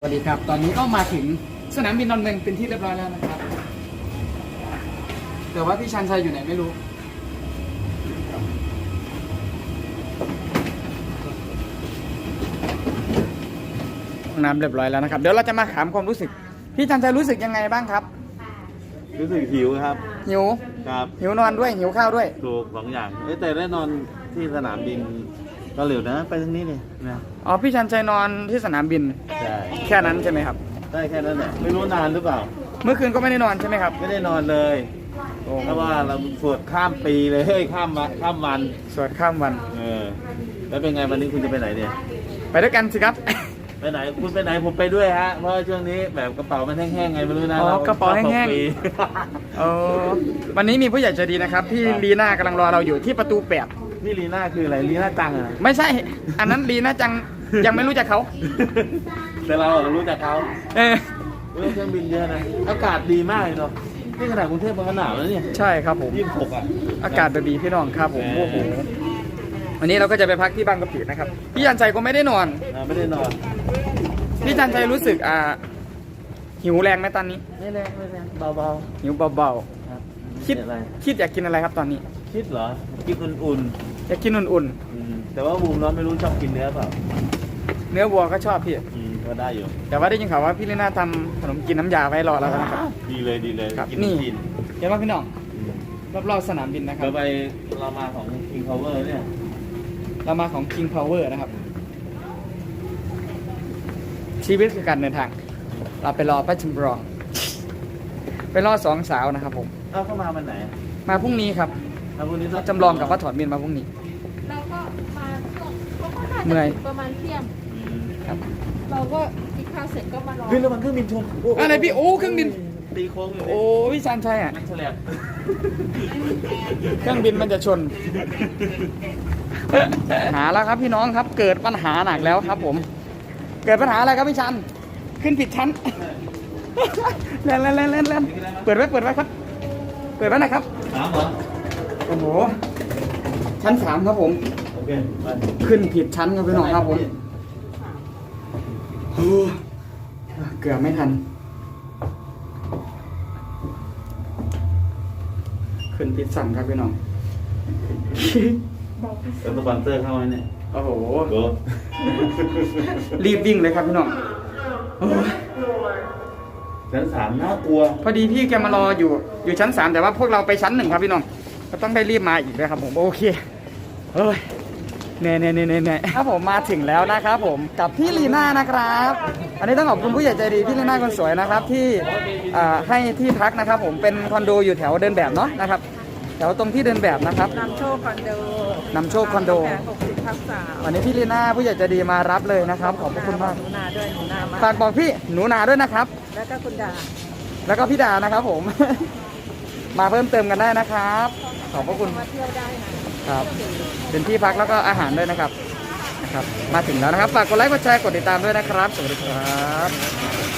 สวัสดีครับตอนนี้ก็มาถึงสนามบินดอนเมืองเป็นที่เรียบร้อยแล้วนะครับแต่ว่าพี่ชันชัยอยู่ไหนไม่รู้ห้องน้ำเรียบร้อยแล้วนะครับเดี๋ยวเราจะมาถามความรู้สึกพี่ชันชัยรู้สึกยังไงบ้างครับรู้สึกหิวครับหิวครับหิวนอนด้วยหิวข้าวด้วยถูกสองอย่างแต่ได้นอนที่สนามบินก็เร็วนะไปทางนี้เลยนะอ๋อพี่ชันชัยนอนที่สนามบินใช่แค่นั้นใช่ไหมครับได้แค่นั้นแหละไม่รู้นานหรือเปล่าเมื่อคืนก็ไม่ได้นอนใช่ไหมครับไม่ได้นอนเลยเพราะว่าเราสวดข้ามปีเลยข้ามวันสวดข้ามวันแล้วเป็นไงวันนี้คุณจะไปไหนเนี่ยไปด้วยกันสิครับไปไหนคุณไปไหนผมไปด้วยฮะเพราะช่วงนี้แบบกระเป๋ามันแห้งๆไงไม่รู้นะอ๋อกระเป๋าแห้งๆอ๋อวันนี้มีผู้ใหญ่ใจดีนะครับพี่ลีน่ากำลังรอเราอยู่ที่ประตู8 นี่ลีน่าคืออะไรลีน่าจังอ่ะไม่ใช่อันนั้นลีน่าจังยังไม่รู้จักเขาแต่เรารู้จักเขาเครื่องบินเยอะนะอากาศดีมากเลยเนาะนี่ขนาดกรุงเทพมันหนาวแล้วเนี่ยใช่ครับผม 26อ่ะอากาศดีพี่น้องครับผมโอ้โหวันนี้เราก็จะไปพักที่บางกะปินะครับพี่จันชัยก็ไม่ได้นอนพี่จันชัยรู้สึกหิวแรงไหมตอนนี้ไม่แรงเบาๆหิวเบาๆครับคิดอยากกินอะไรครับตอนนี้คิดเหรอกินอุ่นๆอยากกินอุ่นๆแต่ว่าบูมร้อนไม่รู้ชอบกินเนื้อเปล่าเนื้อวัวก็ชอบพี่ก็ได้อยู่แต่ว่าได้ยินข่าวว่าพี่ลีน่าทำขนมกินน้ำยาไว้รอแล้วนะครับดีเลยครับนี่เห็นว่าพี่น้องรอบๆสนามบินนะครับเรามาของ King Power เนี่ยเรามาของ King Power นะครับชีวิตคือการเดินทางเราไปรอพระจำลองไปรอสองสาวนะครับผมเข้ามาวันไหนมาพรุ่งนี้ครับพรุ่งนี้จำลองกับพระถอนบินมาพรุ่งนี้เราก็มาเขาก็น่าจะประมาณเที่ยงครับเราก็กินข้าวเสร็จก็มารอระวังเครื่องบินชนอะไรพี่โอ้เครื่องบินตีโค้งโอ้พี่ชันชัยอ่ะแฉลบเครื่องบินมันจะชนหาแล้วครับพี่น้องครับเกิดปัญหาหนักแล้วครับผมเกิดปัญหาอะไรครับพี่ชันขึ้นผิดชั้นเล่นเปิดไว้ครับเปิดไว้นะครับ 3เหรอโอ้โหชั้น3ครับผมโอเคไปขึ้นผิดชั้นครับพี่น้องครับผมเกือบไม่ทันขึ้นผิดชั้นครับพี่น้องแล้วสปอนเซอร์เข้าไหมเนี่ยโอ้โหรีบวิ่งเลยครับพี่น้องชั้น3น่ากลัวพอดีพี่แกมารออยู่ชั้น3แต่ว่าพวกเราไปชั้น1ครับพี่น้องก็ต้องได้รีบมาอีกเลยครับผมโอเคเฮ้ยเน่ครับผมมาถึงแล้วนะครับผมกับพี่ลีน่านะครับอันนี้ต้องขอบคุณผู้ใหญ่ใจดีพี่ลีน่าคนสวยนะครับที่ให้ที่พักนะครับผมเป็นคอนโดอยู่แถวเดินแบบเนาะนะครับแถวตรงที่เดินแบบนะครับนำโชคคอนโด60/3 วันนี้พี่ลีน่าผู้ใหญ่ใจดีมารับเลยนะครับขอบคุณมากหนูนาด้วยหนูนามาฝากบอกพี่หนูนาด้วยนะครับแล้วก็คุณดาแล้วก็พี่ดานะครับผมมาเพิ่มเติมกันได้นะครับขอบพระคุณมาเที่ยวได้นะครับเป็นที่พักแล้วก็อาหารด้วยนะครับมาถึงแล้วนะครับฝากกดไลค์กดแชร์กดติดตามด้วยนะครับสวัสดีครับ